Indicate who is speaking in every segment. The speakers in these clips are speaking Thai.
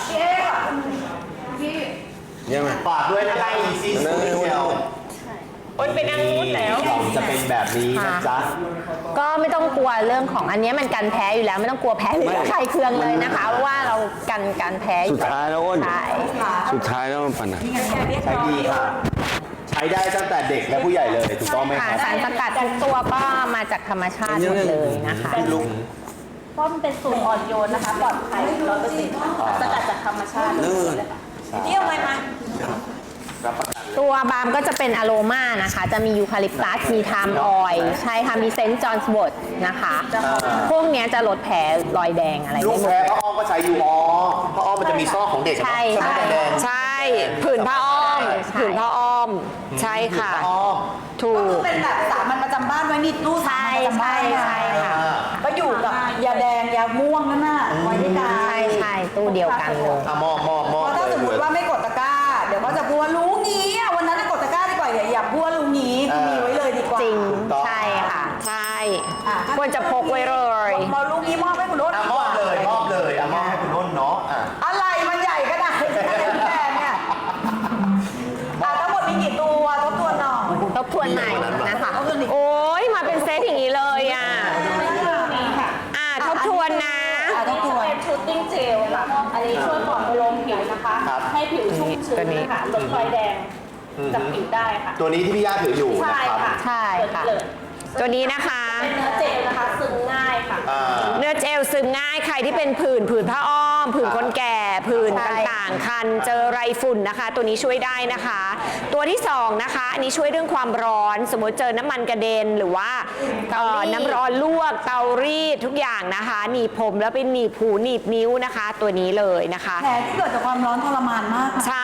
Speaker 1: ยังไง
Speaker 2: ฝากด้วยนะครับ Easy Sweet Gel
Speaker 3: เป็นนางนู้นแล้ว
Speaker 2: จะเป็นแบบนี้นะจ๊ะ
Speaker 4: ก็ไม่ต้องกลัวเรื่องของอันนี้มันกันแพ้อยู่แล้วไม่ต้องกลัวแพ้หรือใครเคืองเลยนะคะเพราะว่าเรากันแพ้อ
Speaker 1: สุ
Speaker 4: ยู่
Speaker 1: ดท้ายแล้วอ้น
Speaker 4: ใช่
Speaker 1: สุดท้ายแล้วมันปัญหา
Speaker 2: ใช้ดีค่ะ ใช้ได้ตั้งแต่เด็กและผู้ใหญ่เลยถูกต้องไหมค
Speaker 4: ค่ะ
Speaker 2: รับ
Speaker 4: สารสกัดทุกตัวก็มาจากธรรมชาติหมดเลยนะคะ
Speaker 3: เพราะมันเป็นสูตรอ่อนโยนนะคะปลอดภัย100%สกัดจากธรรมชาติเลยค่ะเที่ยวไหมมา
Speaker 4: ตัวบาล์มก็จะเป็นอโรมานะคะ จะมียูคาลิปตัสมีไทม์ออยล์ใช่ค่ะมีเซนต์จอห์นสวอตนะคะ พวกเนี้ยจะลดแผลรอยแดงอะไร
Speaker 2: ลู
Speaker 4: ได้
Speaker 2: ก
Speaker 4: หมด
Speaker 2: แพ้พ่ออ้อมก็ใช้อยู่พ่ออ้อมมันจะมีซอกของเด็ก
Speaker 4: ใช่
Speaker 2: ไหมแดง
Speaker 5: ใช่ผืนผ้าอ้อม
Speaker 4: ใช่
Speaker 5: ผืนผ้าอ้อม ใช่ค่ะ
Speaker 2: อ้อม
Speaker 5: ถูก
Speaker 6: เป็นแบบสามัญประจำบ้านไว้นี่ตู้สามัญประจำบ้าน
Speaker 4: ใช่ค่ะ
Speaker 6: ก็อยู่กับยาแดงยาม่วงนั่นน่ะไว้ด้วยกัน
Speaker 4: ใช่ตู้เดียวกันเลย
Speaker 2: มอบ
Speaker 6: เพราะถ้าสมมติว่าไม่กดตะกร้า เดี๋ยวเขาจะพูดว่ารู้งี้อ่ะวันนั้นกดตะกร้าดีกว่าอย่าพูดว่ารู้งี้มีไว้เลยดีกว่า
Speaker 4: จริงใช่ค่ะ
Speaker 5: ใช่
Speaker 6: อ่ะ
Speaker 5: ควรจะพกไว้เลย
Speaker 6: พอรู้งี้มอบให้คุณรถ
Speaker 2: มอบเลยมอบให้คุณนุ่นเนาะ
Speaker 6: อะไรมันใหญ่ขนาดนี้แดงเนี่ยทั้งหมดมีกี่ตัวทบทวนหน่อย
Speaker 4: ทบทวนใหม่นะคะ
Speaker 5: โอ้ยมาเป็นเซตอย่างนี้เลยอ่ะ
Speaker 3: นี่ค่ะ
Speaker 5: ทบทวนนะ
Speaker 6: ทบทวน
Speaker 3: เป็นชูตติ้งเจลค่ะอันนี้ช่วยปลอบประโลมผิวนะคะ ให้ผิวชุ่มชื้นนะคะลดรอยแดงจากผิวได้ค่ะ
Speaker 2: ตัวนี้ที่พี่ย่าถืออยู่
Speaker 3: ใช่
Speaker 2: นะครับ
Speaker 3: ค่ะ
Speaker 4: ใช่ค่ะ
Speaker 3: เลย
Speaker 5: ตัวนี้นะคะ
Speaker 3: เป็นเนื้อเจลนะคะซึมง่ายค่ะ
Speaker 5: เนื้อเจลซึมง่ายใครที่เป็นผื่นผ้าอ้อม ผื่นคนแก่ผื่นต่างๆ คันเจอไรฝุ่นนะคะ ตัวนี้ช่วยได้นะคะ ตัวที่สองนะคะ อันนี้ช่วยเรื่องความร้อน สมมติเจอน้ำมันกระเด็นหรือว่าน้ำร้อนลวกเตารีดทุกอย่างนะคะหนีบผมแล้วเป็นหนีบหูหนีบนิ้วนะคะ ตัวนี้เลยนะคะ
Speaker 6: แผลที่เกิดจากความร้อนทรมานมากค่ะ
Speaker 5: ใช่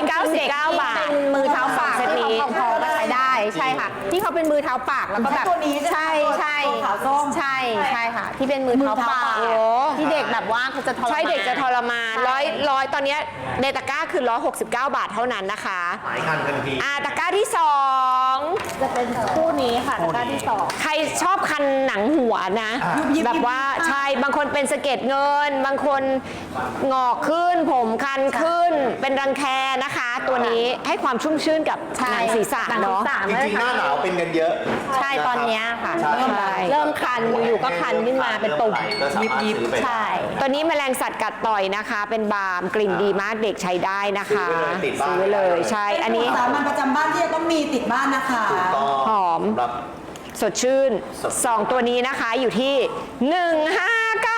Speaker 5: 199 บาท
Speaker 4: เป็นมือเท้าปาก
Speaker 5: เซต
Speaker 4: ที่
Speaker 5: นี้
Speaker 4: เขาพอมาใช้ได้ใช่ค่ะ ที่เขาเป็นมือเท้าปากแล้วก็แบบ
Speaker 6: ตัวนี้ใช่
Speaker 4: ใช่
Speaker 6: ไหมตัวขาวส้ม
Speaker 4: ใช่ค่ะ ที่เป็นมือเท้าปาก
Speaker 5: โอ้
Speaker 4: ที่เด็กแบบว่าเขาจะทรมาน
Speaker 5: ใช่เด็กจะทรมาน
Speaker 4: ใช่
Speaker 5: ร้อยตอนเนี้ยในตะกร้าคือ169 บาทเท่านั้นนะคะ
Speaker 2: หมายคันกันที
Speaker 5: ตะกร้าที่สอง
Speaker 3: จะเป็นคู่นี้ค่ะตะกร้าที่สอง
Speaker 5: ใครชอบคันหนังหัวนะ แบบว่าใช่บางคนเป็นสะเก็ดเงิน บางคนงอกขึ้น ผมคันขึ้น เป็นรังแคนะคะ ตัวนี้ให้ความชุ่มชื่นกับหนังศีรษะเนาะ
Speaker 2: จริงๆหน้าหนาวเป็นกันเยอะ
Speaker 4: ใช่ตอนเนี้ยค่ะ
Speaker 2: ใช่
Speaker 4: เริ่มคันอยู่ๆก็คันขึ้นมาเป็นตุ่ม
Speaker 2: ก็สามารถซื้อไป
Speaker 4: ใช่
Speaker 5: ตัวนี้แมลงสัตว์กัดต่อยนะคะ เป็นบาล์มกลิ่นดีมากเด็กใช้ได้นะคะ
Speaker 2: ซื้อไว้เลยติดบ้าน
Speaker 5: ซื้อเลยใช่ อันนี้
Speaker 6: สามัญประจำบ้านที่จะต้องมีติดบ้านนะคะ
Speaker 2: ถูกต้อง
Speaker 5: หอม
Speaker 2: ครับ
Speaker 5: สดชื่น
Speaker 2: สดชื่น
Speaker 5: 2 ตัวนี้นะคะอยู่ที่ 159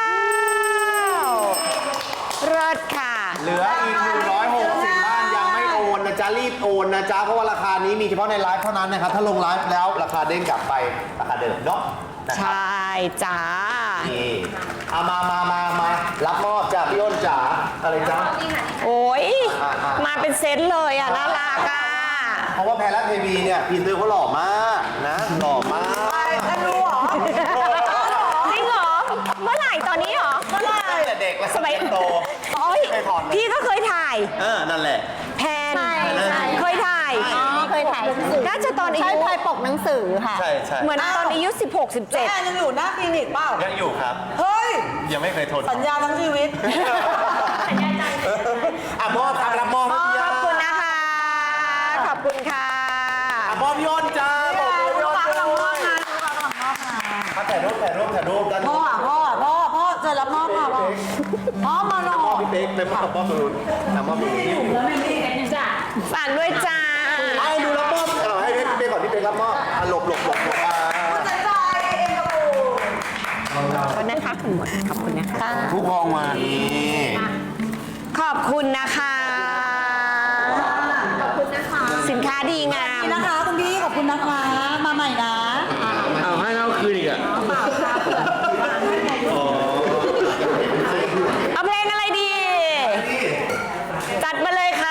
Speaker 5: เลิศค่ะ
Speaker 2: เหลืออีก160บ้านยังไม่โอนนะจ๊ะรีบโอนนะจ๊ะเพราะว่าราคานี้มีเฉพาะในไลฟ์เท่านั้นนะครับถ้าลงไลฟ์แล้วราคาเด้งกลับไปราคาเดิมเนาะนะ
Speaker 5: ใช
Speaker 2: ครับ
Speaker 5: ่จ้า
Speaker 2: นี่เอามารับมอบจ้ะพี่อ้นจ๋าอะไรจ๊ะ
Speaker 5: โอ้ย
Speaker 2: อ่ะ
Speaker 5: มาเป็นเซตเลยอ่ะ น่ารักอ่ะ
Speaker 2: เพราะว่าแพรรัตเทวีเนี่ยพีเตอร์เขาหล่อมากนะหล่อมาก
Speaker 6: ท่านรู้เหรอ
Speaker 5: จริงเหรอ เมื่อไหร่ตอนนี้เหรอ
Speaker 2: ตั้งแต่เด็กแล้ว
Speaker 5: สมัย
Speaker 2: โต
Speaker 5: โอ้ย
Speaker 2: เคยถอดไหม
Speaker 5: พี่ก็เคยถ่าย
Speaker 2: นั่นแหละ
Speaker 5: แพน
Speaker 4: ใช่
Speaker 5: เคยถ่าย
Speaker 4: อ๋อเคยถ่ายหนังสือ
Speaker 5: น่าจะตอนอา
Speaker 4: ใช่
Speaker 5: ยุ
Speaker 4: เคยปกหนังสือค่ะ
Speaker 1: ใช่ใช่
Speaker 5: เหมือนตอนอายุ 16
Speaker 6: แอนยังอยู่หน้าคลินิกเปล่า
Speaker 1: ยังอยู่ครับ
Speaker 6: เฮ้ย
Speaker 1: ยังไม่เคยทน
Speaker 6: สัญญาทั้งชีวิต
Speaker 2: มอบครับรับมอบให้พี่
Speaker 5: ข
Speaker 2: ย่า
Speaker 5: อบคุณนะคะ ขอบคุณค่ะ
Speaker 2: มอบพี่อ้นจ้าบอกเลยพี่อ้นด้วยถ่ายรูปด้าน
Speaker 6: พ่
Speaker 2: นู้
Speaker 6: อน จะรับมอบค่ะพ่อมาหน่อ
Speaker 2: มอบพี่เป๊กไปมอบตรงนู้นมอบตรงนี้
Speaker 5: ฝากด้วยจ้า
Speaker 2: ให้ดูรับมอบให้พี่เป๊กก่อนพี่เป๊กรับมอบหลบ
Speaker 6: ใจใจเองกับปู่
Speaker 5: ขอบคุณนะคะคุณหมดขอบคุณนะคะ
Speaker 1: ทุกพองมา
Speaker 2: นี่
Speaker 5: ขอบคุณนะคะ
Speaker 4: ขอบคุณนะคะ
Speaker 5: สินค้าดีงาม
Speaker 6: นะคะคุณพี่ขอบคุณนะคะ มาใหม่นะ